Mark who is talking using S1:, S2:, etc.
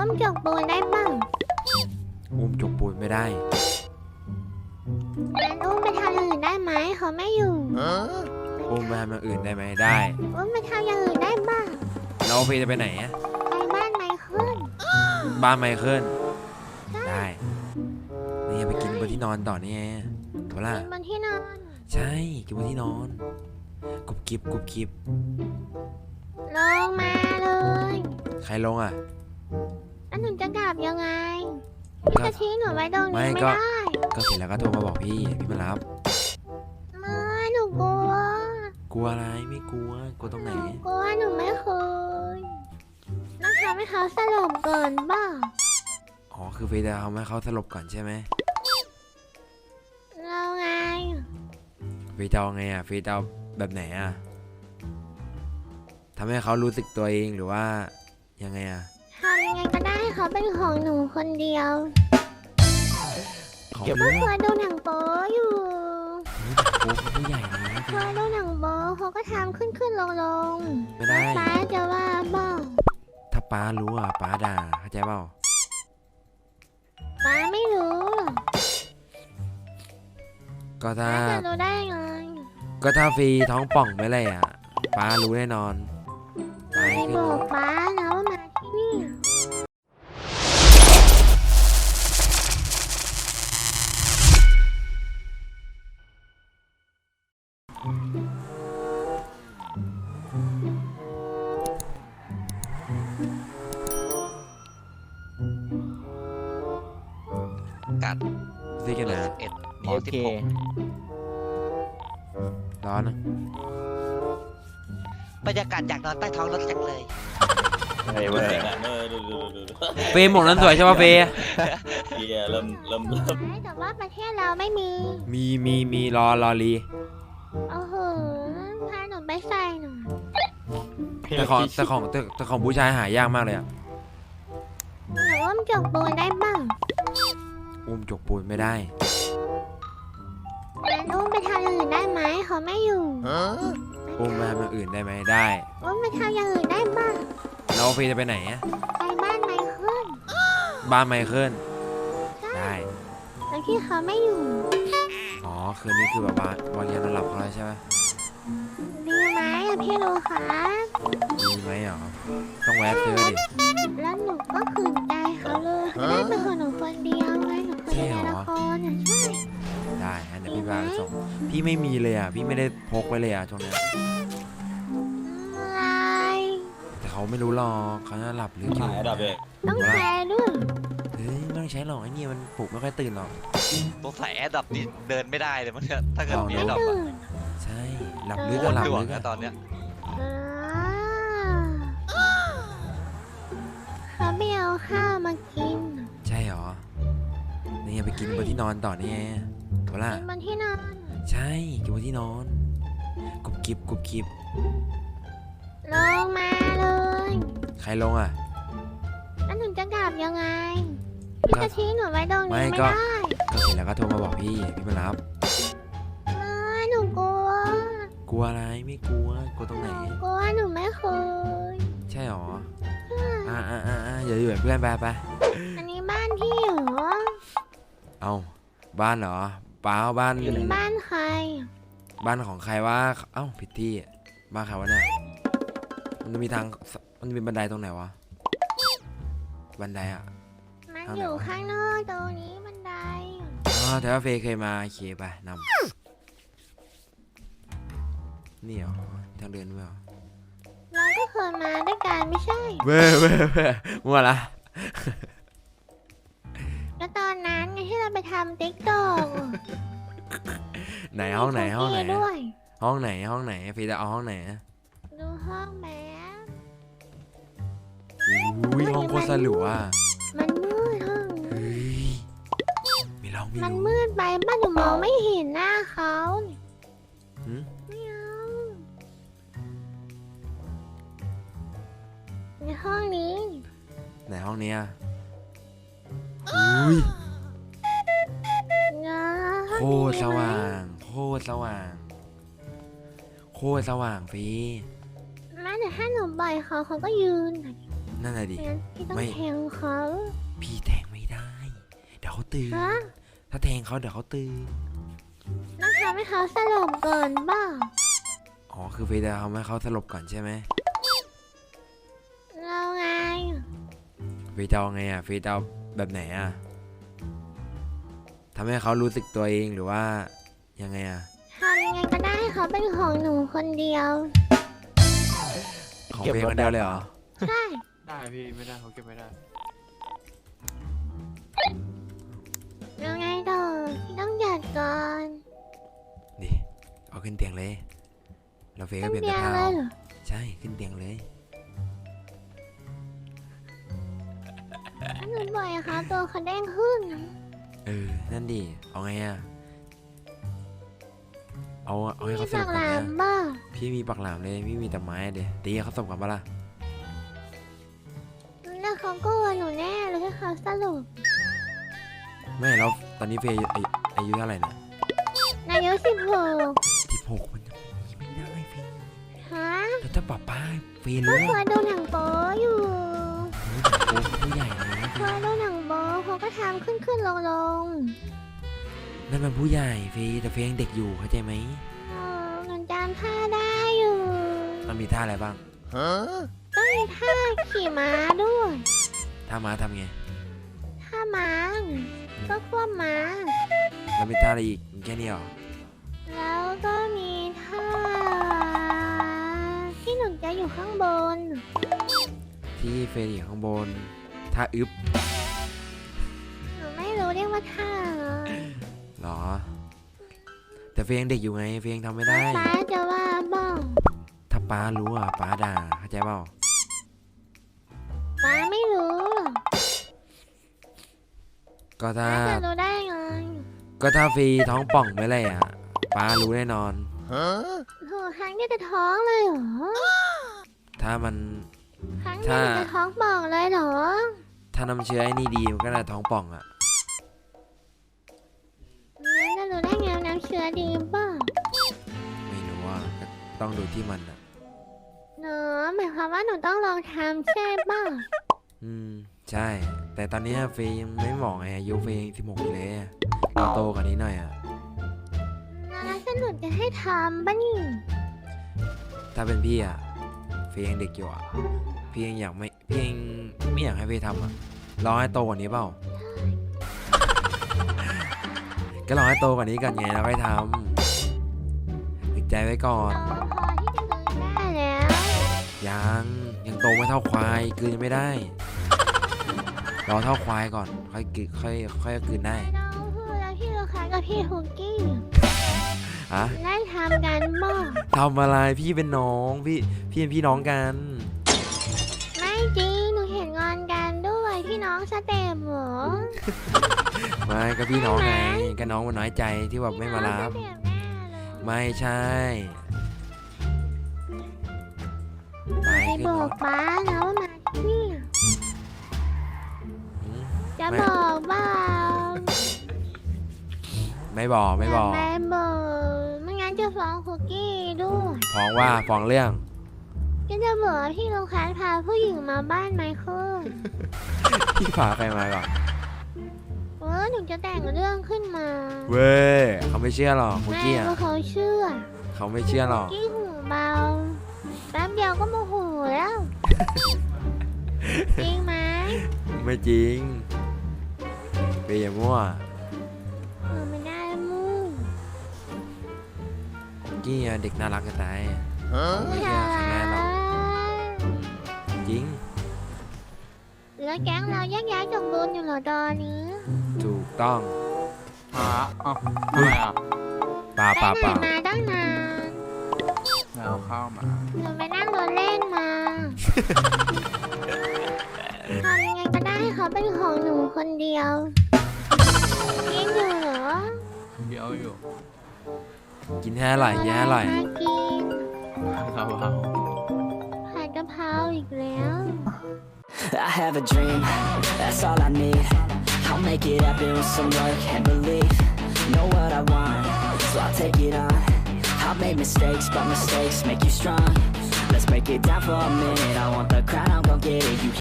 S1: อุ้มจกปูนได้บ้าง
S2: อุ้มจกปูนไม่ได้
S1: งั้นอุ้มไปทำอย่างอื่นได้ไหมเขาไม่อยู่
S2: อุ้มไปทำอย่างอื่นได้ไหมได้
S1: อุ้มไปทำอย่างอื่นได้บ้าง
S2: เราเฟยจะไปไหนอะ
S1: ไปบ้านไมเคิล
S2: บ้านไมเคิลได้นี่ไปกินบนที่นอนต่อนี่ไงถูกล่ะ
S1: กินบนที่นอน
S2: ใช่กินบนที่นอนกุบกิบกุบกิบ
S1: ลงมาเลย
S2: ใครลงอ่ะ
S1: แล้วหนูจะกลับยังไงพี่จะทิ้งหนูไว้ตรงนี้ไม่ได้
S2: ก็เสร็จแล้วก็โทรมาบอกพี่มารับ
S1: ไม่หนูกลัว
S2: อะไรไม่กลัวตรงไหน
S1: กลัวหนูไม่เคยต้องทำให้เขาสลบก่อนบ้า
S2: อ๋อคือเฟย์จะทำให้เขาสลบก่อนใช่ไหม
S1: เราไง
S2: เฟย์จะเอาไงอ่ะเฟย์จะเอาแบบไหนอ่ะทำให้เขารู้สึกตัวเองหรือว่ายังไงอ่ะ
S1: ทำยังไงก็ได้ให้เขาเป็นของหนูคนเดียว
S2: เก็บไว้
S1: เคยดูหนังโป๊อยู่
S2: โป๊ผู้ใหญ่นะ
S1: เคยดูหนังโป๊เขาก็ทำขึ้นลง
S2: ไม่ได้
S1: ป้าจะว่าบ้า
S2: ถ้าป้ารู้อ่ะป้าด่าเข้าใจเปล่า
S1: ป้าไม่รู้
S2: ก็ถ้า
S1: จะรู้ได้ไง
S2: ก็ถ้าฟรีท้องป่องไม่เลยอ่ะป้ารู้แน่นอน
S1: ไม่บอกป้านะว่ามาที่นี่
S3: กัด
S2: ซีกันนะ
S3: 11 ม
S2: ร้อนนะ
S3: 16บรรยากาศอยากนอนใต้ท้องรถจังเลย
S2: เฟย์หมวกนั้นสวยใช่ป่ะเฟย์
S1: เริ่มแต่ว่าประเทศเราไม่
S2: มีรอรี
S1: โอ้โหพาหนูไปใส่หน่อย
S2: แต่ของผู้ชายหายากมากเลยอ่ะ
S1: หนูอุ้มจกปูนได้บ้าง
S2: อุ้มจกปูนไม่ได้
S1: งั้นอุ้มไปทำอย่างอื่นได้ไหมเขาไม่อยู่
S2: อุ้มไปทำอย่างอื่นได้ไหมได้
S1: อุ้มไปทำอย่างอื่นได้บ้าง
S2: เราเฟย์จะไปไหนอะ
S1: ไปบ้านไมเคิล
S2: บ้านไมเคิลได้
S1: แล้วที่เขาไม่อยู่
S2: อ๋อคืนนี้คือแบบวางยานอนหลับเขาแล้วใช่ไหม
S1: ดีไหมอะพี่รู้คะ
S2: ดีไหมเหรอต้องแวะซื้อดิ
S1: แล้วหนูก็ขืนใจเขาเลยเขาได้เป็นคนหนูคนเดียวไงหนูเคยในละครอ่ะใช่
S2: ได้ฮะเดี๋ยวพี่พาไปส่งพี่ไม่มีเลยอ่ะพี่ไม่ได้พกไว้เลยอ่ะช่วงนี้
S1: อะไร
S2: แต่เขาไม่รู้หรอกเขาจะหลับหรืออยู่
S1: ต้องแชร์ด้วย
S2: เฮ้ยไม่ต้องใช้หรอกไอ้นี่มันปลุกไม่ค่อยตื่นหรอก
S3: ตัวใส่แอร์ดับนี่เดินไม่ได้เลยมันถ้าเกิดมีแอร์ดับ
S2: ใช่หลับลึกก็หลับลึก
S3: ตอนเนี้ย
S1: เขาไม่เอาข้าวมากิน
S2: ใช่หรอนี่ไปกินบนที่นอนต่อนี่ไงถูกล่ะ
S1: กินบนที่นอน
S2: ใช่กินบนที่นอนกุบกิบกุบกิบ
S1: ลงมาเลย
S2: ใครลงอ่ะ
S1: แล้วหนูจะกลับยังไงพี่จะทิ้งหนูไว้ตรงนี้ไม่ได้
S2: ก็เสร็จแล้วก็โทรมาบอกพี่มารับ
S1: ไม่หนูก
S2: ลัวอะไรไม่กลัวตรงไหน
S1: กลัวหนูไม่เคย
S2: ใช่หรออย่าอยู่แบบเพื่อนไป
S1: อันนี้บ้านพี่เหรอ
S2: เอาบ้านเหรอเปล่าบ้าน
S1: ใคร
S2: บ้านของใครวะเอ้าผิดที่บ้านใครวะเนี่ยมันจะมีทางมันจะมีบันไดตรงไหนวะบันไดอ่ะ
S1: มันอยู่ข้างนอกตรงนี้บันได
S2: แต่ว่าเฟย์เคยมาเคไปนำนี่เหรอทางเดินไม่เหรอ
S1: เราก็เคยมาด้วยกันไม่ใช่
S2: เว้ยมั่วละ
S1: แล้วตอนนั้นไงที่เราไปทำติ๊กต็อก
S2: ไหนห้องไหนห้องไหน
S1: ด้วย
S2: ห้องไหนพี่จะเอาห้องไหน
S1: ดูห้องแม่
S2: อุ้ยห้องโคตรสลัว
S1: มันมืดห้อง
S2: มีเรา
S1: มันมืดไปบ้านหนูมองไม่เห็นหน้าเขาไม่เอาในห้องนี้
S2: ไหนห้องนี้อุ้ยโคตรสว่างพี่
S1: แม้แต่ถ้าหนูบ่อยเขาก็ยืน
S2: นั่นแหละดิ
S1: งั้นพี่ต้อง
S2: ไม่
S1: แทงเขา
S2: พี่แทงไม่ได้ เดี๋ยวเขาตื่น
S1: ฮะ
S2: ถ้าแทงเขาเดี๋ยวเขาตื่น
S1: ต้องทำให้เขาสลบก่อนบ้า
S2: อ๋อคือเฟย์จะทำให้เขาสลบก่อนใช่ไหม
S1: เราไง
S2: เฟย์จะเอาไงอ่ะเฟย์จะเอาแบบไหนอ่ะทำให้เขารู้สึกตัวเองหรือว่ายังไงอ่ะ
S1: ทำยังไงก็ได้ให้เขาเป็นของหนูคนเดียว
S2: ของเฟย์คนเดียวเลยเหรอ
S1: ใช่
S4: ได้พี่ไม่ได้เขาเก็บไม่ได้
S1: เราไงต่อพี่ต้องหยัดก่อน
S2: ดิเอาขึ้นเตียงเลยเราเฟย์
S1: ต้
S2: ก็
S1: อง
S2: เปลี่ยน
S1: เบี
S2: เสื้
S1: ย
S2: อ
S1: ร์
S2: ผ้า
S1: เลย
S2: เอา
S1: เหรอ
S2: ใช่ขึ้นเตียงเลย
S1: ถ้าหนูบ่อยอะคะตัวเขาแดงขึ้นนะ
S2: นั่นดิเอาไงอ่ะเอาให้
S1: มี
S2: เขาสล
S1: ปา
S2: บ
S1: ก
S2: ก่
S1: ห
S2: อน
S1: ลา
S2: เนี่ย
S1: มบ้า
S2: พี่มีปักหลามเลยพี่มีแต่ไม้เดี๋ยวตีให้เขาสลบก่อนปะล่ะ
S1: แล้วเขาก็ว่าหนูแน่เลยให้เขาสลบ
S2: ไม่แล้วตอนนี้เฟย์อายุเท่าไหร่เนี่ย
S1: นายก16
S2: 16มันยังไม่ได้เฟย์
S1: ฮะ
S2: แล้วถ้าป้าเฟย์
S1: ก็
S2: รู้
S1: เค
S2: ว่าย
S1: ดูหนังโป๊อยู่
S2: โอ้ผู้ใหญ่เลย
S1: เคยดูหนังโป๊เขาก็ทำขึ้นลง
S2: นั่นมันผู้ใหญ่เฟย์แต่เฟย์ยังเด็กอยู่เข้าใจไหม
S1: หนูจำท่าได้อยู่
S2: มันมีท่าอะไรบ้าง
S1: ต้องมีท่าขี่ม้าด้วย
S2: ท่าม้าทำไง
S1: ท่าม้าก็ควบม้า
S2: แล้วมีท่าอะไรอีกแค่นี้เหรอ
S1: แล้วก็มีท่าที่หนูจะอยู่ข้างบน
S2: ที่เฟย์อยู่ข้างบนท่าอึบ
S1: หนูไม่รู้เรียกว่าท่าเหรอ
S2: เหรอ แต่เฟย์ยังเด็กอยู่ไงเฟย์ยังทำไม่ได้
S1: ป้าจะว่าบ้อง
S2: ถ้าป้ารู้อ่ะป้าด่าเข้าใจเปล่า
S1: ป้าไม่รู้หรอก
S2: ก็ถ้า
S1: ป้าจะรู้ได้ไง
S2: ก็ถ้าเฟย์ท้องป่องไปเลยอ่ะป้ารู้แน่นอน
S1: โหครั้งนี้จะท้องเลยเหรอ
S2: ถ้ามัน
S1: ครั้งนี้จะท้องป่องเลยเหรอ
S2: ถ้าน้ำเชื้อไอ้นี่ดีมันก็น่าท้องป่องอ่ะ
S1: งั้นจะรู้ได้ไงว่าน้ำเชื้อดีป่ะ
S2: ไม่รู้อ่ะก็ต้องดูที่มันอ่ะ
S1: เนอะหมายความว่าหนูต้องลองทำใช่ป่ะ
S2: ใช่ แต่ตอนนี้เฟย์ยังไม่เหมาะไงอายุเฟย์ยัง16อยู่เลยอะเราโตกว่านี้หน่อยอ่ะ
S1: แล้วฉันหนูจะให้ทำป่ะนี่
S2: ถ้าเป็นพี่อ่ะเฟย์ยังเด็กอยู่อ่ะพี่ยังไม่อยากให้เฟย์ทำอ่ะรอให้โตกว่านี้เปล่า ก็รอให้โตกว่านี้ก่อนไงแล้วค่อยทำติดใจไว้ก่อน
S1: โตพอที่จะเดินได้แล้ว
S2: ยังโตไม่เท่าควายกลืนยังไม่ได้รอเท่าควายก่อนค่อยกลืนค่อยกลืนได้
S1: น้องพูดแล้วพี่ลูกค้ากับพี่ฮุกกี้
S2: อะ
S1: ได้ทำกันบ้าง
S2: ทำอะไรพี่เป็นน้องพี่เป็นพี่น้องกัน
S1: ไม่จริงหนูเห็นงอนกันด้วยพี่น้องสเต็ปเหรอ
S2: ไม่ก็พี่น้องไงก็น้องมันน้อยใจที่แบบไม่มารับ
S1: พี่น้องสเต็ปแน่เลย
S2: ไม่ใช่ไป
S1: ไป
S2: ขึ้น
S1: บ
S2: ร
S1: อก
S2: ถ
S1: ป้านะว่ามาที่นี่
S2: อืม
S1: จะบอกเปล่า
S2: ไม่บอก
S1: ไม่บอกไม่งั้นจะฟ้องคุกกี้ด้วย
S2: ฟ้องเรื่อง
S1: ก็จะบอกว่าพี่ลูกค้าพาผู้หญิงมาบ้านไมเคิล
S2: พี่พาใครมาก่อน
S1: หนูจะแต่งเรื่องขึ้นมา
S2: เว้ยเขาไม่เชื่อหรอกคุก
S1: แม่
S2: กี้อ่ะ
S1: ว่าเขาเชื่อ
S2: เขาไม่เชื่อหรอก
S1: กี้หูเบาแป๊บเดียวก็โมโหแล้ว จริงไหม
S2: ไม่จริงเปย์อย่ามั่ว
S1: ไม่ได้มู่
S2: คุกกี้อะเด็กน่ารักจะตายเขาไม่เชื่อใครง่ายหรอกจริง
S1: แล้วแก๊งเราแยกย้ายจงบุญอยู่เหรอตอนนี้
S2: ถูกต้อง
S4: หาเอ้าทำไมอ่ะ
S2: ป่า
S1: ไปไหนมาตั้งนาน
S4: แมวเข้ามา
S1: หนูไปนั่งรถเล่นมาทำยังไงก็ได้ให้เขาเป็นของหนูคนเดียวกินอยู่เหรอ
S4: เดี๋ยวอยู่
S2: กินให้อร่อยกินให้อร่อย
S1: น่ากิน
S4: เราเอา
S1: ผัดกะเพราอีกแล้ว
S5: I have a dream, that's all I need. I'll make it happen with some work and belief. Know what I want, so I'll take it on. I've made mistakes, but mistakes make you strong. Let's break it down for a minute. I want the crown, I'm gon' get it. You